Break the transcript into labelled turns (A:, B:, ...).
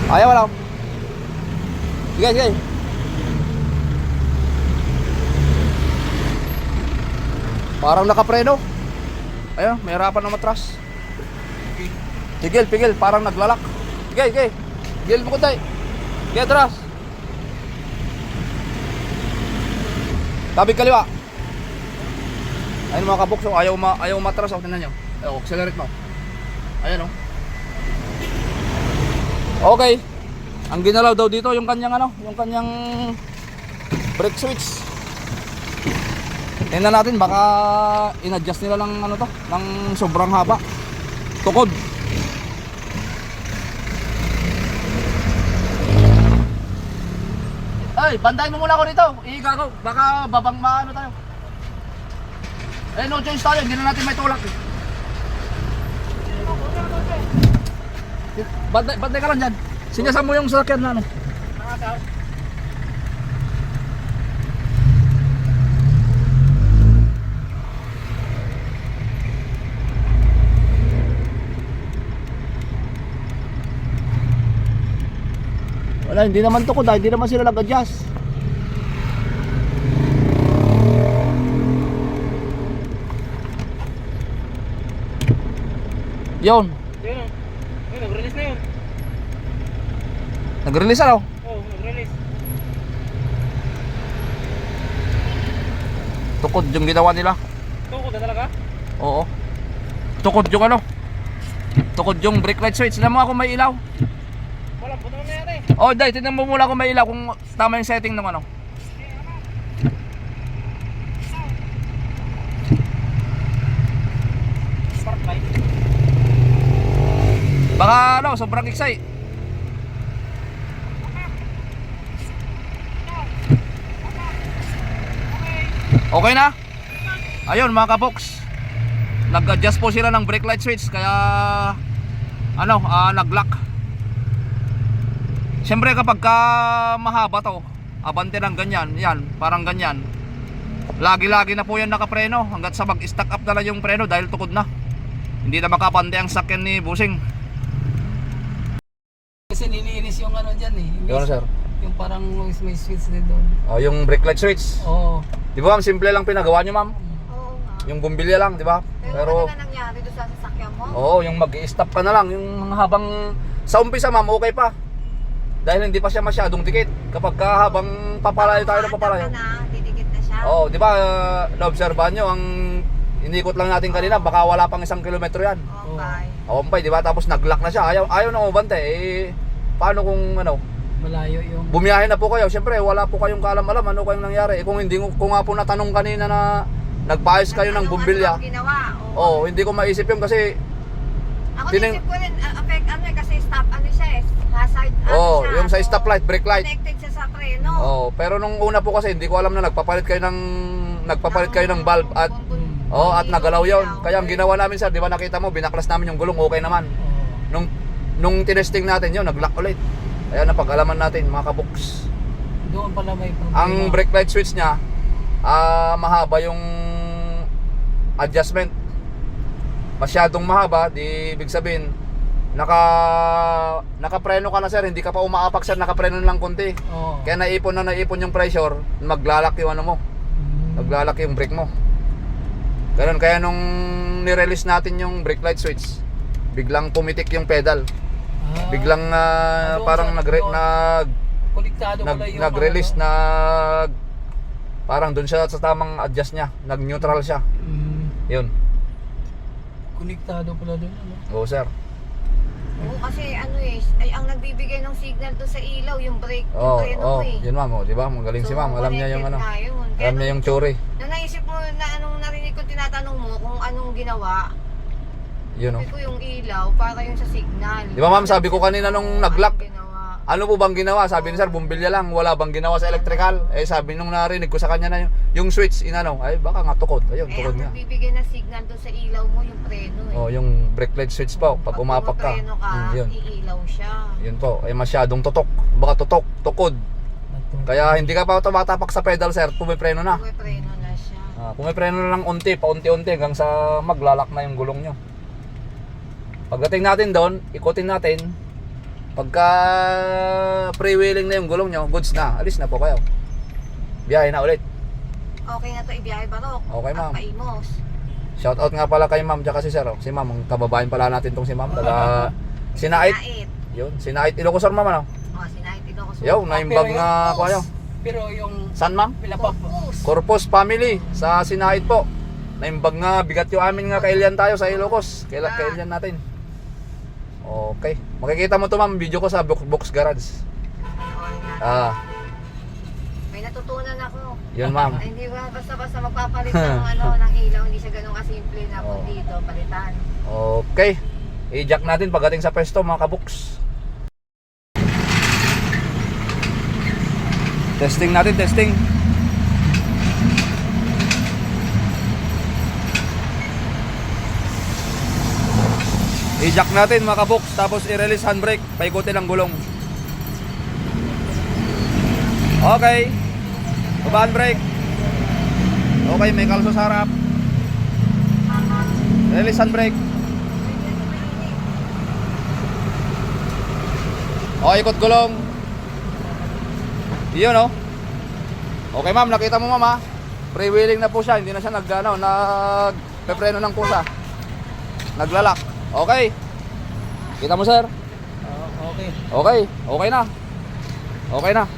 A: Ayaw wala. Sige, sige. Parang nakapreno. Ayun, may harapan ng matras. Tigil, pigil, parang naglalak. Sige, sige. Tigil mo ko tayo. Sige, atras. Tabi kaliwa. Ayun mga kabukso, ayaw matras. O, tingnan nyo. Ayun, accelerate mo. Ayan o. Okay. Ang ginalaw daw dito yung kanyang yung kanyang brake switch. Tingnan natin baka in-adjust nila ng ng sobrang haba. Tukod. Ay, bantayan mo muna ako dito. Iiga ko. Baka babang tayo. Eh, no choice tayo. Hindi na natin may tulak eh. Bantay ka lang dyan. Sinyasan mo yung sasakyan na Wala, hindi naman tukod hindi naman sila nag-adjust. Yun.
B: Yun, nag-release na yun.
A: Nag-release ano?
B: Oo, nag-release.
A: Tukod yung ginawa nila.
B: Tukod na talaga?
A: Oo. Tukod yung Tukod yung brake light switch. Tignan mo ako may ilaw.
B: Walang puto na nangyari.
A: Oh, dahil tignan mo muna kung may ilaw, kung tama yung setting ng
B: Spark light.
A: Baka sobrang excite. Okay na? Ayun mga kabox, nag-adjust po sila ng brake light switch kaya nag-lock. Siyempre kapag mahaba to, abante ng ganyan, yan, parang ganyan, lagi-lagi na po yan nakapreno hanggat sa mag-stack up na lang yung preno dahil tukod na. Hindi na makapante ang sakyan ni Busing.
B: Kasi nilinis yung dyan eh.
A: Yun sir.
B: Yung parang may switch din doon.
A: Oh, yung brake light switch.
B: Oo.
A: Di ba ma'am, simple lang pinagawa nyo ma'am?
C: Oo nga.
A: Yung bumbilya lang, di ba?
C: Pero ano na nangyari doon sa sasakyan mo?
A: Oo, yung mag-i-stop ka na lang. Yung habang sa umpisa ma'am, okay pa. Dahil hindi pa siya masyadong dikit. Kapag habang papalayo tayo ng papalayo.
C: Didikit na siya.
A: Oo, di ba, naobserbahan nyo, ang inikot lang natin kanina, baka wala pang 1 kilometro yan.
C: Okay.
A: Ompay, di ba? Tapos nag-lock na siya. Ayaw na umabante. Eh, paano kung
B: Malayo yung...
A: bumiyahe na po kayo? Siyempre, wala po kayong kaalam-alam ano kayong nangyari. Eh, kung hindi ko nga po natanong kanina na nagpaayos kayo ng bumbilya.
C: Ginawa?
A: Oo, hindi ko maisip yun kasi
C: ako naisip ko rin, kasi stop, siya eh, hazard, siya.
A: yung sa stoplight, brake light.
C: Connected siya sa preno.
A: Pero nung una po kasi hindi ko alam na nagpapalit kayo ng valve at at nagalaw yun. Kaya ang ginawa namin sir, di ba nakita mo, binaklas namin yung gulong, okay naman. Nung tinesting natin yun, nag-lock ulit. Kaya napag-alaman natin mga kabox.
B: Doon pala may problema.
A: Ang brake light switch niya, mahaba yung adjustment. Masyadong mahaba, di ibig sabihin nakapreno ka na sir, hindi ka pa umaapak sir, nakapreno lang konti. Kaya naipon yung pressure, maglalak yung mo. Maglalak yung brake mo. Ganun, kaya nung ni-release natin yung brake light switch, biglang pumitik yung pedal. Biglang parang nag-release parang doon siya sa tamang adjust niya, nag-neutral siya. Yun.
B: Konektado pala doon,
A: Oo sir.
C: Oo, kasi ang nagbibigay ng signal doon sa ilaw, yung brake, yung preno eh.
A: Yun ma'am, di ba? Magaling si ma'am, alam niya yung
C: Kaya
A: alam niya yung tsuri.
C: Nung naisip mo na narinig ko, tinatanong mo kung anong ginawa.
A: Yun
C: Sabi ko yung ilaw, para yung sa signal.
A: Di ba ma'am, sabi ko kanina nung nag-lock,
C: Ginawa.
A: ano po bang ginawa? Sabi ni sir, bumbilya lang, wala bang ginawa sa electrical? Eh sabi nung narinig ko sa kanya na yung switch, ay baka nga tukod. Ayun, tukod
C: ang
A: nga.
C: nagbibigay ng signal doon sa ilaw mo, yung preno eh.
A: Yung brake light switch po, pag umapak ka.
C: Preno ka,
A: Yun.
C: iilaw siya.
A: Yun po, masyadong tutok. Baka tukod. Kaya hindi ka pa tumatapak sa pedal sir, pumipreno na.
C: May preno na siya.
A: Pumipreno na lang paunti-unti hanggang sa maglalak na yung gulong nyo. Pagdating natin doon, ikutin natin. Pagka freewheeling na yung gulong nyo, goods na, alis na po kayo. Biyahe na ulit.
C: Okay na to, ibiyahe Barok.
A: Okay, ma'am.
C: At Paimos.
A: Shout out nga pala kay ma'am tsaka si sir. Si ma'am, ang kababayan pala natin tong si ma'am. Taga Sinait. Yun, Sinait Ilocos ma'am ano?
C: Sinait Ilocos.
A: Yo, naimbag nga ko kayo.
B: Pero yung
A: San ma'am?
B: Pilapap.
A: Corpus family sa Sinait po. Naimbag nga, bigat yung amin nga kailian tayo sa Ilocos. Kailian natin. Okay. Makikita mo to ma'am, video ko sa Box Garage.
C: May natutunan ako.
A: Yun ma'am.
C: Ay, hindi ba basta-basta magpapalit ng ng ilaw, hindi siya ganun kasimple na kung dito palitan.
A: Okay. I-jack natin pagdating sa pwesto mga kabuks. Testing natin, testing. I-jack natin mga kabuks, tapos i-release handbrake, paikutin ang gulong. Okay. Baba handbrake. Okay, may kalso sa harap. Release handbrake. O, ikot gulong. Iyon o. Okay ma'am, nakita mo ma'am ha. Freewheeling na po siya, hindi na siya nagpepreno ng kusa. Naglalak. Okay. Kita mo sir?
B: Okay.
A: Okay, okay na. Okay na.